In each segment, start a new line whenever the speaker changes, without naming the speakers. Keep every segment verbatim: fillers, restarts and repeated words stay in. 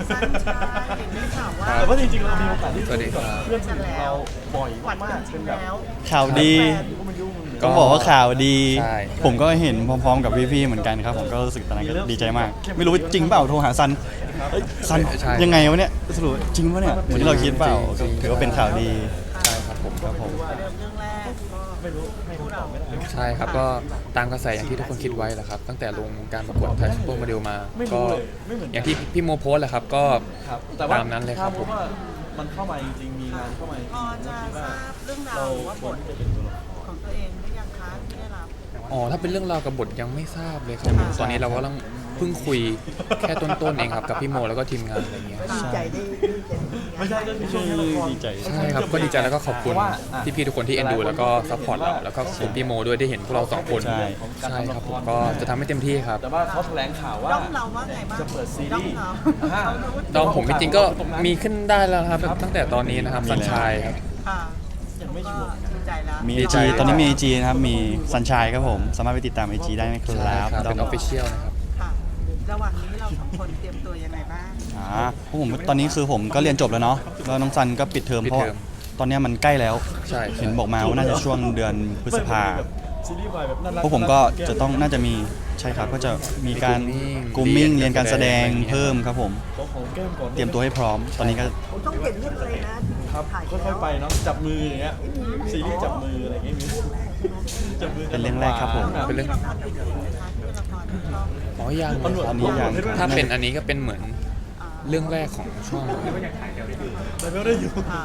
ซันชายเห็นได้ข่าวว่า
แต่ว่าจริงๆเรามีโอกาสที่
สวัสดีครับ
เพื่อนสนิทเราบ่อย
หวัด
มา
กั
ก
น
ๆ
จ
เป็
ริ
น
ง
แบบ
แล้ว
ข่าวดี
แฟนก็มันยุ่ง
ต้องบอกว่าข่าวดี
ใช่
ผมก็เห็นพร้อมๆกับพี่ๆเหมือนกันครับ ผมก็รู้สึกตอนนั้นก็ดีใจมาก ไม่รู้ว่าจริงเปล่าโทรหาซันเอ้ยซัน
ใช่
ยังไงวะเนี่ยสรุปจริงปะเนี่ยเหมือนที่เราคิดเปล่า
จริงๆ
ถือว่าเป็นข่าวดี
ใช่ครับผม
ครับผม
เริ่มเรื่องแรกก็
ไม่รู้ให้คำตอบไม่ได้
ใช่ครับก็ตามกระแสอย่างที่ทุกคนคิดไว้แหละครับตั้งแต่ลงการประกวดไทยซูเปอร์โมเดลมา
ไม่รู้
ก็
เลยไม่เหมือนกัน
อย่างที่พี่โมโพสต์แหละครับก็
ครับแต่ว่า
ตามนั้นเลยครับ
ถ้าพบว่ามันเข้ามาจริงๆมีงานเข้ามาจริง
พอจะทราบเรื่องราว
เรา
หรือว่า
ค
บ
วร
ท
ที่จะเป็นตัวละคร
ของตัวเองหรือยังคะที่ได้รับ
อ๋อถ้าเป็นเรื่องราวกับบทยังไม่ทราบเลยครับตอนนี้เราก็ต้องเพิ่งคุยแค่ต้นๆเองครับกับพี่โมแล้วก็ทีมงานอะไรเงี้ย
ดีใจได้ดีใจ
ไม่ใช่ก็คือช่วงนี้ละคร
ดีใจ
ใช่ครับก็ดีใจแล้วก็ขอบคุณพี่ๆทุกคนที่เอ็นดูแล้วก็ซัพพอร์ตเราแล้วก็ขอบคุณพี่โมด้วยได้เห็นพวกเราสองคน
ใช่
ใช่ครับผมก็จะทำให้เต็มที่ครับ
แต่ว่าเขาแถลงข่าวว่า
ด้อมเราว่าไงบ้าง
จะเปิดซี
ด้อ
รี
ม
ส์
เรา
อ่า
เขารู้ว่า
ดองผมจริงๆก็มีขึ้นได้แล้วครับตั้งแต่ตอนนี้นะครับสัญชัยครับ
ค่ะ
ยังไม่ชัวร์
ก็ดีใจแล้ว
มี
ดี
ไอ
ใจ
จีตอนนี้มีไอจีนะครับ มีซันชายครับผม สามารถไปติดตามไอจีได้นะค
ใช่
รับ
ครับเป็นออฟฟิเชียลนะครับ
ค่ะระหว่างนี้เราสองคนเตรียมตัวยังไงบ้าง
อ่าพวกผมตอนนี้คือผมก็เรียนจบแล้วเนาะแล้วน้องซันก็ปิดเทอม
ปิด
เพราะ
เทอม
ตอนเนี้ยมันใกล้แล้ว
ใช่
เห็นบอกมาว่าน่าจะช่วงเดือนพฤษภา
ซีรีส์วายแบบน่ารัก
พวกผมก็จะต้องน่าจะมีใช่ครับก็จะมีการก r มมิ่งเรียนการแสดงเพิ่มครับผม
ขอของแก้มก่อน
เตรียมตัวให้พร้อม ตอนนี้ก็
ผมต้องเห็นเรื่องอะไรนะครับ ถ่าย
ค่อยๆไปเนาะจับมืออย่างเงี้ยซีรีส์จับมืออะไรอย่างเงี้ยมีจับมือกั
เป็นเรื่องแรกครับผม
เป็นเรื่อง
ละครอื่นๆไหมคะที่เป็นละครที่ชอบ
อ๋อยัง
ตำรวจ
อันนี้ยัง
ถ้าเป็นอันนี้ก็เป็นเหมือนเรื่องแรกของช่องเลย
แต่ไม่ได้อยู่
อ่า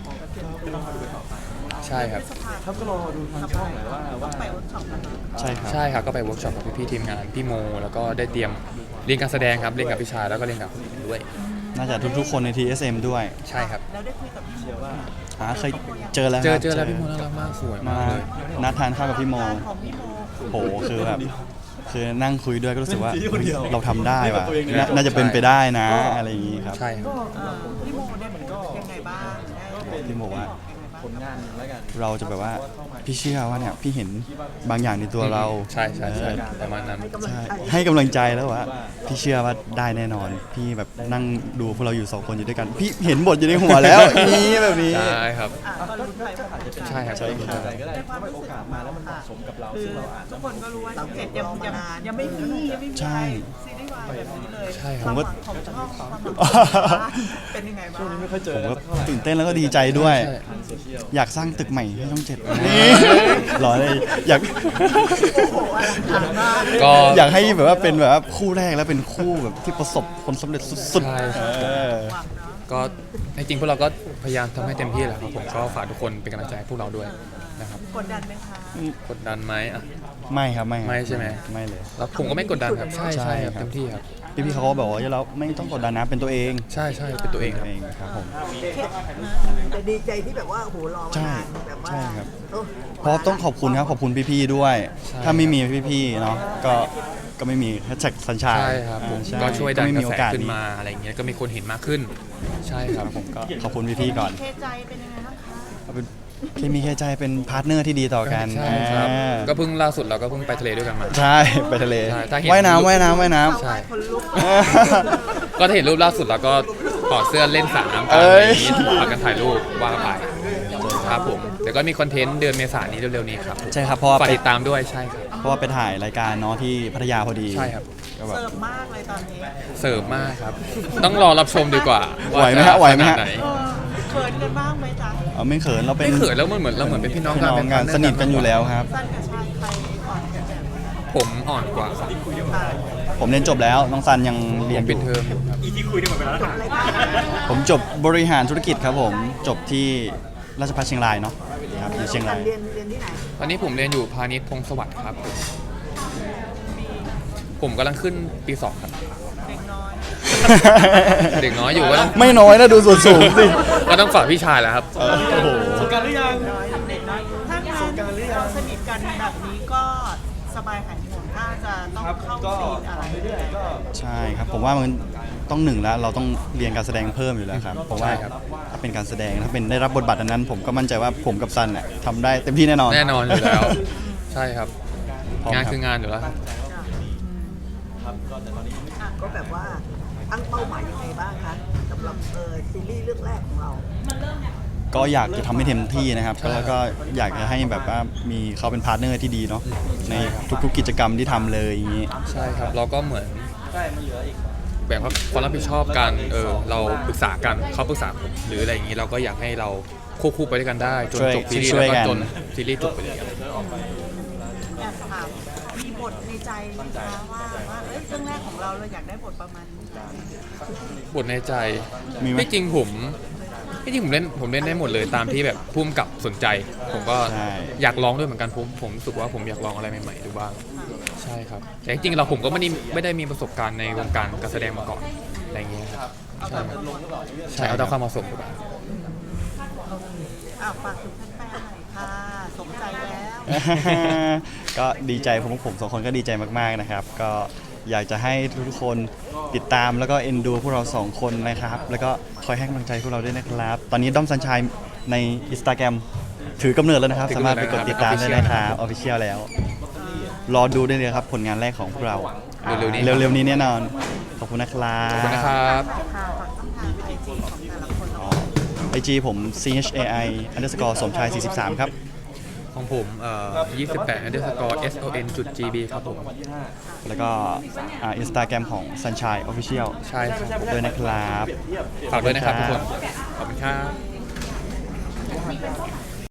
ใช่ครับ
พฤษภา
ครับก็รอดูทางช่องหน่อยว่าว่า
ไปเวิร์กช็อปกันเนอะ
ใช่ครับ
ใช่ครับก็ไปเวิร์กช็อปกับพี่ๆทีมงานพี่โม แล้วก็ได้เตรียมเรียนการแสดงครับเรียนกับพี่ชายแล้วก็เรียนกับคนอื่นด้วย
น่าจะทุกๆคนใน ที เอส เอ็ม ด้วย
ใช่ครับ
แล้วได้คุยกับพี่โม
เชื่อว่า
อ่าเคยเจอแล้ว
เจอ
ครับ
เจอแล้วพี่โมน่ารักมากสวยมากเลย
นัดทานข้าวกับพี่โม
การของพี่โม
โหคือแบบคือนั่งคุยด้วยก็รู้สึกว่า
เป็นคนเดียว
เราทำได้ว่ะ
ตัวเองเลย
น่าน่าจะเป็นไปได้นะอะไรอย่างงี้ครับ
ใช่ครับ
เอ่อพี่โมได้มันก็ยังไงบ้างได้
พี่โมว่า
ผลงานแล้วกัน
เราจะแบบว่าพี่เชื่อว่าเนี่ยพี่เห็นบางอย่างในตัวเรา
ใช่ใช่ใช่ประมาณนั้น
ใช่ให้กำลังใจแล้วว่าพี่เชื่อว่าได้แน่นอน พี่แบบนั่งดูพวกเราอยู่สองคนอยู่ด้วยกัน พี่เห็นบทอยู่ในหัวแล้ว นี่แบบนี้
ใช่ครับ
อ่ะก็ลุ้นไปว่า
ใช่ครับ
ใช่ครับ
อะไรก็ได้ถ้าไม่โอกาสมาแล้วมันเหมาะสมกับเรา
คือ
ซึ่งเราอาจ
ทุ
จะ
กคนก็รู้ว่าช่องเจ็ดยังยังยังไม่มียังไม่มี
ใช่
ซีรีส์วายแบบนี้เลย
ใช่ครับ
ความหวังของช่องความหวังของเป็นยังไงบ้า
ช่วง
ง
นี้ไม่ค่อยเจ
ผ
อ
ม
แล้ว
ก็
เท่าไหร่
ตื่นเต้นแล้วก็ดีใจด้วย
ใช่
โซเชียล
อยากสร้างตึกใหม่ให้ช่องเจ็ดนี่หรอเลยอยาก
ก็
อยากให้แบบว่าเป็นแบบว่าคู่แรกแล้วเป็นคู่แบบที่ประสบผลสำเร็จสุด
ใช่
ๆ
ครับ
เออ
หวังเนาะ
ก็จริงๆพวกเราก็พยายามทำให้เต็มที่แหละครับผมก็ฝากทุกคนเป็นกำลังใจให้พวกเราด้วยนะครับ
กดดันไหมคะ
กดดันไหมอ่ะ
ไม่ครับไม่ครับ
ไม่ใช่ไหม
ไม่เลย
แล้วผมก็ไม่กดดันครับใช่
ใช่
ใช่ครับ
ครับ
เต็มที่ครับ
พี่พี่ๆเขาก็บอกว่าเราไม่ต้องกดดันนะเป็นตัวเอง
ใช่ใช่เป็นตัวเองครับ
เองครับผม
แต่ดีใจที่แบบว่าโอ้โหรอมา
ใช่
นานแบบว่า
ใช่ครับ
เออ
เพราะต้องขอบคุณครับขอบคุณพี่ๆด้วย
ใช่
ถ้าไม่มีพี่ๆเนาะก็ก็ไม่มีแฮชแท็กสัญชาติ
ใช่ครับผม
อ่า
ก็ช่วยดัน
ไม่
ก
มี
ระ
โอ
แส
กาส
ขึ้น
นี้
มาอะไรเงี้ยก็มีคนเห็นมากขึ้น ใช่ครับผมก็
ขอบคุณพี่ๆก่อน
เคใจเป็นยังไงบ้างคะ
เอาเป็นเคมีแค่ใจเป็นพาร์ทเนอร์ที่ดีต่อกัน
ใช่ครับ
อ่า
ก็เพิ่งล่าสุดเราก็เพิ่งไปทะเลด้วยกันมา
ใช่ไปทะเล
ใช่ถ้าเห็น
ว่ายน้ำว่ายน้ำว่ายน้ำ
ใช่
คนลุก
ก็ถ้าเห็นรูปล่าสุดเราก็ถอดเสื้อเล่นสระน้ำกัน
เอ้
อะไร
ย
อย่างนี้พากันถ่ายรูปว่าไปครับผมเดี๋ยวก็มีคอนเทนต์เดือนเมษายนนี้เร็วๆนี้ครับ
ใช่ครับเพราะว่า
ฝาก
ไป
ติดตามด้วยใช่ครับ
เพราะว่าไปถ่ายรายการเนาะที่พัทยาพอดี
ใช่ครับ
ก็แบบ
เสิร์ฟมากเลยตอนนี้
เสิร์ฟมากครับ ต้องรอรับชมดีกว่า
ไหวไหมฮะ
จ
ไหวไหมฮะ
ขนาดน
เออเขินกันบ้างไหมจ๊ะ
เอาไม่เขินเราเป็น
ไม่เขินแล้วมันเหมือนเราเหมือนเป็นพี่น้อง
พี่น้อง
เป็
กันสนิทกันอยู่แล้วครับ
สั้นกับชายใครอ่อนกันแบบ
ผมอ่อนกว่าครับ
อ่า
ผมเรียนจบแล้วน้องซันยัง
ผ
เรียน
ม
อ
ปิด
ยู่
เทอมอยู่ครับ
ผมจบบริหารธุรกิจครับผมจบที่ราชภัฏเชียงรายเนาะครับอยู่เชียงราย
เรียนเรียนที่ไหน
ตอนนี้ผมเรียนอยู่พาณิชย์พงศวัสดิ์ครับ ผมกำลังขึ้นปีสองครับ
เด็กน้อย
เด็กน้อยอยู่ก็ต้อง
ไม่น้อยนะดูส่วนสูงสิ
ก็ต้องฝากพี่ชายแหละครับ
โอ้โห
สงกรารหรือยัง
เด็กน้อยถ้างานเราสนิทกันแบบนี้ก็สบายหายห่วงถ้าจะต้อง
ครับ
เข้า
ก็
ซีนอะไร
ทำเรื่อยๆก็
ใช่ครับผมว่ามันต้องหนึ่งแล้วเราต้องเรียนการแสดงเพิ่มอยู่แล้วครับเพราะว่า
ใช่ครับ
ถ้าเป็นการแสดงถ้าเป็นได้รับบทบาทอันนั้น ผมก็มั่นใจว่าผมกับซันเนี่ยทำได้เต็มที่แน่นอน
แน่นอนอยู่แล้ว ใช่ครับ
พร้อม
งาน
ครับ
คืองานอยู่แล้วครับ
ครับก็แต่ตอนนี้
ก็แบบว่าตั้งเป้าหมายยังไงบ้างคะเออซีรีส์เรื่องแรกของเรา
ก็อยากจะทำให้เต็มที่นะครับแล้วก็อยากจะให้แบบว่ามีเขาเป็นพาร์ทเนอร์ที่ดีเนาะในทุกๆกิจกรรมที่ทำเลยอย่างนี้
ใช่ครับเราก็เหมือนแบ่งความรับผิดชอบกันเออเราปรึกษากันเขาปรึกษาผมหรืออะไรอย่างนี้เราก็อยากให้เราควบคู่ไปด้วยกันได้จน
ช่วย
จบซีรีส์
ช่วย
แล้วก็
กัน
จนซีรีส์จบไปเลย
แอบถามมีบทในใจไหมคะว่าว่าเอ้ยเรื่องแรกของเราเราอยากได้บทประมาณนี้จัง
บทในใจ
มีไหม
ไม่จริงผมไม่จริงผมเล่นผมเล่นได้หมดเลยตามที่แบบพุ่มกับสนใจ ผมก็
ใช่
อยากลองด้วยเหมือนกันผมผมรู้สึกว่าผมอยากลองอะไรใหม่ๆดูบ้างใช่ครับแต่จริงๆเราผมก็ไม่ได้ไม่ได้มีประสบการณ์ในวงการการแสดงมาก่อนอะไรอย่างเงี้ยครับใช่ใช่เอาตามความเหมาะสมดีกว่า
อ่ะฝากถึงแฟนๆหน่อยค่ะสมใจแล้ว
ก็ดีใจผมผมสองคนก็ดีใจมากๆนะครับ ก็อยากจะให้ทุกๆคนติดตามแล้วก็เอ็นดูพวกเราสองคนนะครับ แล้วก็คอยให้กำลังใจพวกเราด้วยนะครับ ตอนนี้ด้อมซันชัยใน Instagram ถือกำเนิดแล้วนะครับ
ถือ
สาก
ำ
มา
เนิ
ร
ด
ถไปกด
แล้ว
ติดตาม
นะครับ
ได้นะครับออฟฟิเชียลแล้ว รอดูได้เลยครับผลงานแรกของพวกเรา
เร็วๆนี้
เร็วๆนี้แน่นอน ขอบคุณนะครับ
ขอบคุณนะครับ
ค่ะฝากช่องทางไอจีของแต่ละคนเรา
ไอจีผม c h a i underscore สมชายสี่สิบสามครับ
ของผมเอ่อยี่สิบแปด underscore son จุด gb ครับผม
แล้วก็อินสตาแกรมของ Sunshine Official
ใช่ครับ
ด้วยนะครับ
ฝากด้วยนะครับทุกคน ขอบคุณครับ